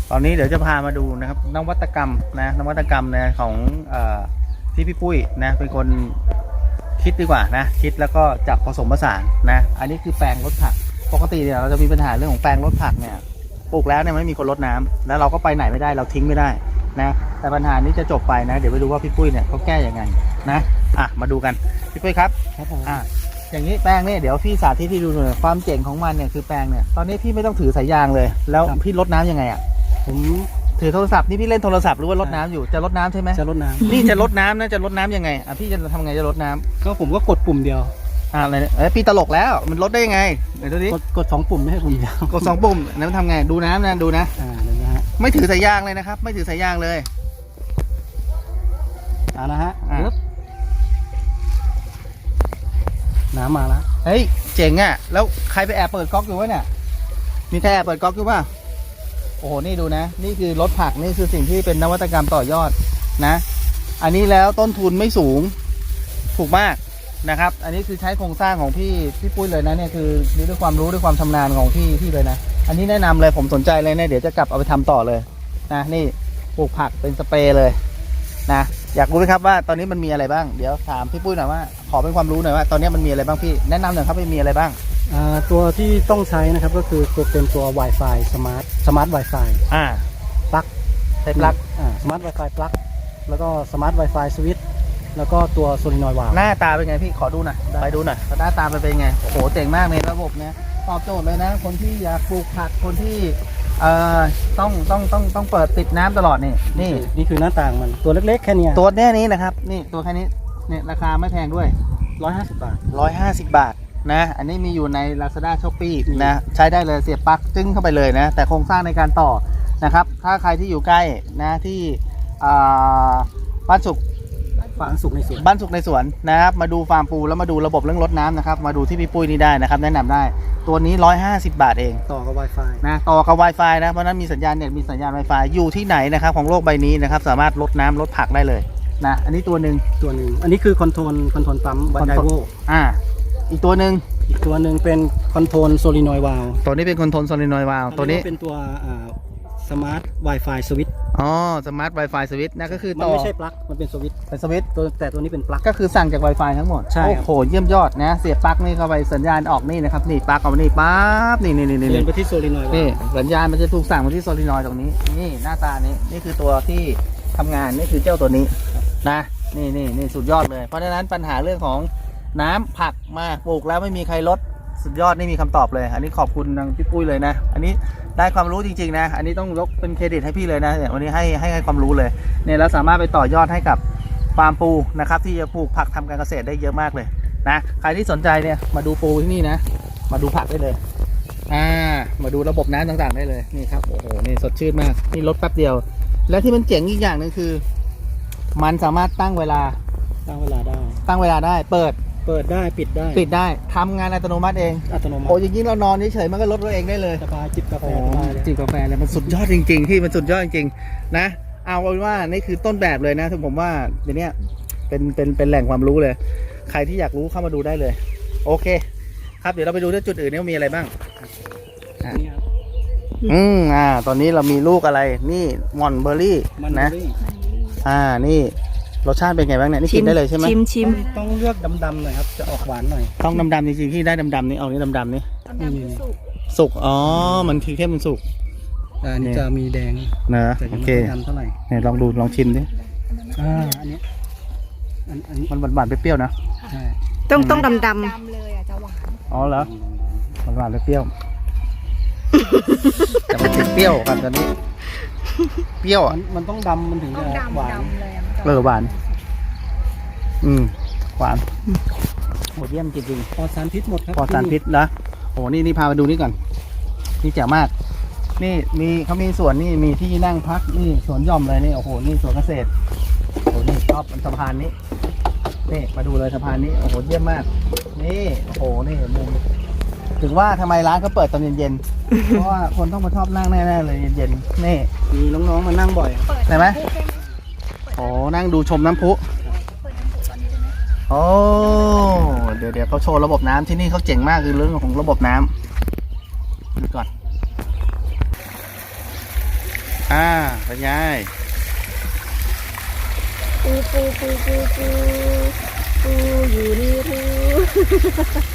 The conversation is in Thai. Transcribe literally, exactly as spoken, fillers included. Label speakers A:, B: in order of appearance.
A: ตอนนี้เดี๋ยวจะพามาดูนะครับนวัตกรรมนะนวัตกรรมนะของเอ่อที่พี่ปุ้ยนะเป็นคนคิดดีกว่านะคิดแล้วก็จับผสมผสานนะอันนี้คือแปลงรดผักปกติเนี่ยเราจะมีปัญหาเรื่องของแปลงรดผักเนี่ยปลูกแล้วเนี่ยไม่มีคนรดน้ำแล้วเราก็ไปไหนไม่ได้เราทิ้งไม่ได้นะแต่ปัญหานี้จะจบไปนะเดี๋ยวไปดูว่าพี่ปุ้ยเนี่ยเขาแก้ยังไงนะอ่ะมาดูกันพี่ปุ้ยครับครับผมอ่ะอย่างนี้แปลงเนี่ยเดี๋ยวพี่สาธิตที่ดูหน่อยความเจ๋งของมันเนี่ยคือแปลงเนี่ยตอนนี้พี่ไม่ต้องถือสายยางเลยแล้วพี่รดน้ำยังไงอ่ะผมถือโทรศัพท์นี่พี่เล่นโทรศัพท์หรือว่ารดน้ำอยู่จะรดน้ำใช่ไหมจะรดน้ำนี่จะรดน้ำนะจะรดน้ำยังไงอ่ะพี่จะทำไงจะรดน้ำก็ผมก็กดปุ่มเดียวอ่าอะไรเอ้ยพี่ตลกแล้วมันลดได้ยังไงเดี๋ยวดูดิกดกดสองปุ่มไม่ใช่ปุ่มเดียวกดสองปุ่มแล้วมันทำไงดูน้ำนะดูนะอ่าเดี๋ยวนะฮะไม่ถือสายยางเลยนะครับไม่ถือสายยางเลยอ่านะฮะน้ำมาแล้วเฮ้ยเจ๋งอ่ะแล้วใครไปแอบเปิดก๊อกอยู่วะเนี่ยมีใครแอบเปิดก๊อกอยู่ป่ะโอ้โหนี่ดูนะนี่คือรถผักนี่คือสิ่งที่เป็นนวัตกรรมต่อยอดนะอันนี้แล้วต้นทุนไม่สูงถูกมากนะครับอันนี้คือใช้โครงสร้างของพี่พี่ปุ้ยเลยนะเนี่ยคือด้วยความรู้ด้วยความชำนาญของพี่พี่เลยนะอันนี้แนะนำเลยผมสนใจเลยเนี่ยเดี๋ยวจะกลับเอาไปทำต่อเลยนะนี่ปลูกผักเป็นสเปรย์เลยนะอยากรู้ไหมครับว่าตอนนี้มันมีอะไรบ้างเดี๋ยวถามพี่ปุ้ยหน่อยว่าขอเป็นความรู้หน่อยว่าตอนนี้มันมีอะไรบ้างพี่แนะนำหน่อยครับว่ามีอะไรบ้าง
B: ตัวที่ต้องใช้นะครับก็คือตัวเป็นตัว Wi-Fi Smart Smart Wi-Fi
A: อ่า
B: ปลั๊ก
A: ใช้ปลั๊ก
B: อ่า Smart Wi-Fi ปลั๊กแล้วก็ Smart Wi-Fi Switch แล้วก็ตัวโซลินอยด์วาล์ว
A: หน้าตาเป็นไงพี่ขอดูหน่อยไปดูหน่อยหน้าตาเป็นไงโอ้โหเจ๋งมากเลยระบบเนี้ยตอบโจทย์เลยนะคนที่อยากปลูกผักคนที่เอ่อต้องต้องต้องต้องเปิดติดน้ำตลอดนี่นี่
B: นี่คือหน้าต่างมันตัวเล็กๆแค่นี้
A: ตัวแค่นี้นะครับนี่ตัวแค่นี้เนี่ยราคาไม่แพงด้วย
B: ร้อยห้าสิบบาท
A: ร้อยห้าสิบบาทนะอันนี้มีอยู่ใน Lazada Shopee นะใช้ได้เลยเสียบปลั๊กจึ้งเข้าไปเลยนะแต่โครงสร้างในการต่อนะครับถ้าใครที่อยู่ใกล้นะที่บ้านสุข
B: บ้านสุขในสวน
A: บ้านสุขในสวนนะครับมาดูฟาร์มปูแล้วมาดูระบบเรื่องรดน้ำนะครับมาดูที่พี่ปุ้ยนี่ได้นะครับแนะนำได้ตัวนี้หนึ่งร้อยห้าสิบบาทเอง
B: ต่อกับ Wi-Fi
A: นะต่อกับ Wi-Fi นะเพราะนั้นมีสัญญาณเน็ตมีสัญญาณ Wi-Fi อยู่ที่ไหนนะครับของโลกใบนี้นะครับสามารถลดน้ำลดผักได้เลยนะอันนี้ตัวหนึ่ง
B: ตัวหนึ่งอันนี้คือคอนโทรลคอนโทรลปั๊มไดโว
A: อ่าอีกตัวหนึ่ง
B: อีกตัวหนึ่งเป็นคอนโทรลโซลินอยด์วาล์ว
A: ตัวนี้เป็นคอนโทรลโซลินอยด์วาล์วตัวนี้
B: เป็นตัวสมาร์ท Wi-Fi สวิตช์
A: อ๋อสมาร์ท Wi-Fi สวิตช์นะก็คือ
B: มันไม่ใช่ปลั๊กมันเป็นสวิตช์
A: เป็นสวิตช์
B: ตัวแต่ตัวนี้เป็นปลั๊ก
A: ก็คือสั่งจาก Wi-Fi ทั้งหมด
B: ใช่
A: โอ้โหเยี่ยมยอดนะเสียบปลั๊กนี่เข้าไปสัญญาณออกนี่นะครับนี่ปลั๊กออกมานี่ปั๊บนี่นี่นี่นี่
B: เรียนไปที่โซลินอยด์
A: นี่สัญญาณมันจะถูกสั่งมาที่โซลินอยด์ตรงนี้นี่หน้าตานี้นี่คือตัวที่ทำงานนี่คือเจ้าตัวนี้นะนี่นี่นี่สุดยอดเลยเพราะฉะนั้นปัญหาเรื่องของน้ำผักมาปลูกแล้วไม่มีใครลดสุดยอดนี่มีคำตอบเลยอันนี้ขอบคุณทางพี่ปุ้ยเลยนะอันนี้ได้ความรู้จริงๆนะอันนี้ต้องยกเป็นเครดิตให้พี่เลยนะเนี่ยวันนี้ให้ให้ให้ความรู้เลยเนี่ยเราสามารถไปต่อยอดให้กับฟาร์มปูนะครับที่จะปลูกผักทำการเกษตรได้เยอะมากเลยนะใครที่สนใจเนี่ยมาดูปูที่นี่นะมาดูผักได้เลยอ่ามาดูระบบน้ำต่างๆได้เลยนี่ครับโอ้โหนี่สดชื่นมากนี่ลดแป๊บเดียวและที่มันเจ๋งอีกอย่างนึงคือมันสามารถตั้งเวลา
B: ตั้งเวลาได้
A: ตั้งเวลาได้เปิด
B: เปิดได้ปิดได้
A: ปิดได้ทำงานอัตโนมัติเอง
B: อัตโนมัติ
A: โอ้ยยิ่งเรานอนเฉยๆมันก็ลดตัวเองได้เลย
B: สบายจิบกาแฟ
A: จิบกาแฟเลยมันสุดยอดจริงๆที่มันสุดยอดจริงๆนะเอาเป็นว่านี่คือต้นแบบเลยนะผมว่าเดี๋ยวนี้เป็นเป็นเป็นแหล่งความรู้เลยใครที่อยากรู้เข้ามาดูได้เลยโอเคครับเดี๋ยวเราไปดูที่จุดอื่นนี่มีอะไรบ้างอืมอ่าตอนนี้เรามีลูกอะไรนี่มอนเบอร์รี่นะอ่านี่รสชาติเป็นไงบ้างเนี่ยนี่กินได้เลยใช่ไหม
B: ชิมชิมต้องเลือกดำๆหน่อยครับจะออกหวานหน่อย
A: ต้องดำๆจริงๆที่ได้ดำๆนี่เอานี่ดำๆนี่สุกอ๋อมันคือแค่มันสุก
B: อันนี้จะมีแดง
A: นะโอเคเนี่ยลองดูลองชิมดิ
B: อ่าอันนี้
A: อันนี้มันหวานๆเปรี้ยวๆนะ
C: ต้องต้องดำ
D: ดำเลยอ่ะจะหวาน
A: อ๋อเหรอหวานๆเปรี้ยวแต่มันติดเปรี้ยวครับตอนนี้เปรี้ยวอ่ะ
B: มันต้องดำมันถึงจะหวาน
A: เออหวานอืมหวานโหเยี่ยมจริง
B: ๆปลอดสารพิษหมดครับ
A: ปลอดสารพิษนะโอ้นี่นี่พามาดูนี่ก่อนนี่แจ๋วมากนี่มีเขามีสวนนี่มีที่นั่งพักนี่สวนหย่อมเลยนี่โอ้โหนี่สวนเกษตรโอ้โหนี่ชอบสะพานนี้นี่มาดูเลยสะพานนี้โอ้โหเยี่ยมมากนี่โอ้โหนี่มุมถึงว่าทำไมร้านเขาเปิดตอนเย็นๆเพราะว่าคนต้องมาชอบนั่งแน่ๆเลยเย็นๆนี่
B: มีน้องๆมานั่งบ่อย
A: ใช่ไหมโอ้นั่งดูชมน้ำพุโอ้เดี๋ยวเดี๋ยวเขาโชว์ระบบน้ำที่นี่เขาเจ๋งมากคือเรื่องของระบบน้ำดูก่อนอ่าเป็นไง
C: ปูปูปูปูปูปูอยู่นี่รู้